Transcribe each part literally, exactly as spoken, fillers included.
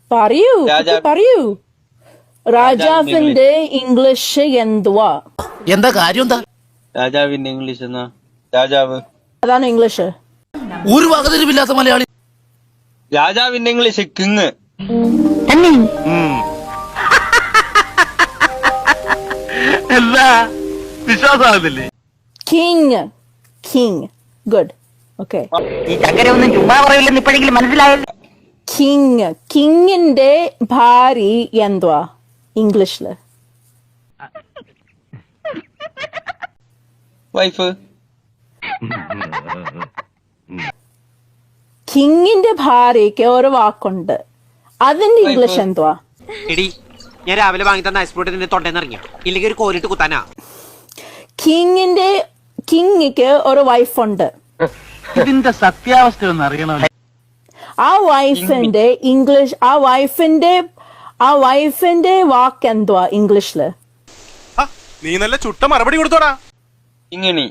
പറയൂ പറയൂ രാജാവിന്റെ ഇംഗ്ലീഷ് എന്തുവാ? എന്താ കാര്യം? എന്താ രാജാവിന്റെ ഇംഗ്ലീഷ് എന്നാ? രാജാവ് അതാണ് ഇംഗ്ലീഷ്. ഒരു വകതിരിവില്ലാത്ത മലയാളി. രാജാവിന്റെ ഇംഗ്ലീഷ് കിങ്. എന്താ വിശ്വാസമാകുന്നില്ലേ? King king good. ഓക്കെ, ഈ ചക്കര ഒന്നും ചുമ്മാ പറയില്ലെന്ന് ഇപ്പോഴെങ്കിലും മനസ്സിലായല്ലോ. കിങ് കിങ്ങിന്റെ ഭാര്യ എന്തുവാ ഇംഗ്ലീഷില്? വൈഫ്. കിങ്ങിന്റെ ഭാര്യക്ക് ഒരു വാക്കുണ്ട്, അതിന്റെ ഇംഗ്ലീഷ് എന്തുവാ? എടി ഞാൻ രാവിലെ വാങ്ങി തന്ന ഐസ്പോട്ട് നിന്റെ തൊണ്ടേന്ന് ഇറങ്ങിയ ഇല്ലെങ്കിൽ ഒരു കോരിട്ട് കുത്താനാ. കിങ്ങിന്റെ കിങ്ങിക്ക് ഒരു വൈഫുണ്ട്. ഇതിന്റെ സത്യാവസ്ഥ ഒന്ന് അറിയണം. ആ വൈഫിന്റെ ഇംഗ്ലീഷ് ആ വൈഫിന്റെ ആ വൈഫിന്റെ വാക്ക് എന്തുവാ ഇംഗ്ലീഷില്? നീ നല്ല ചുട്ട മറുപടി കൊടുത്തോടാ. കിങ്ങിണി.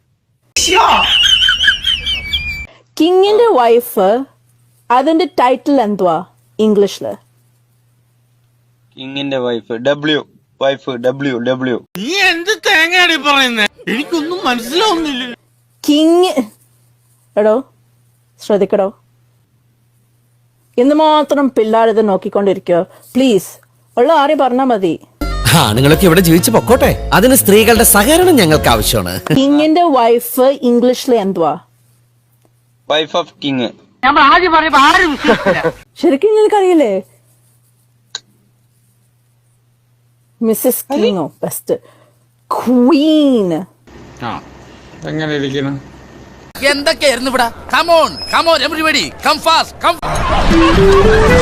കിങ്ങിന്റെ വൈഫ് അതിന്റെ ടൈറ്റിൽ എന്തുവാ ഇംഗ്ലീഷില്? കിങ്ങിന്റെ wife W. Wife W. W. നീ എന്ത് തേങ്ങയാടി പറയുന്നേ? എനിക്കൊന്നും മനസ്സിലാവുന്നില്ല. കിങ് എടോ ശ്രദ്ധിക്കടോ, ഇന്ന് മാത്രം പിള്ളേരിത് നോക്കിക്കൊണ്ടിരിക്കോ പ്ലീസ്. ഉള്ള ആരെയും പറഞ്ഞാ മതി. ആണുങ്ങളൊക്കെ ഇവിടെ ജീവിച്ചു പൊക്കോട്ടെ, അതിന് സ്ത്രീകളുടെ സഹകരണം ഞങ്ങൾക്ക് ആവശ്യമാണ്. കിങ്ങിന്റെ വൈഫ് ഇംഗ്ലീഷിൽ എന്തുവാ? Wife of king. നമ്മൾ ആദ്യം പറയുമ്പോ ആരും വിശ്വസിക്കില്ല. ശരിക്കും നിനക്കറിയില്ലേ? മിസ്സസ് കിങ്ങോ ബെസ്റ്റ് ക്വീൻ. എങ്ങനെ ഇരിക്കുന്നു? എന്തൊക്കെയായിരുന്നു ഇവിടെ? Come on come on everybody come fast come.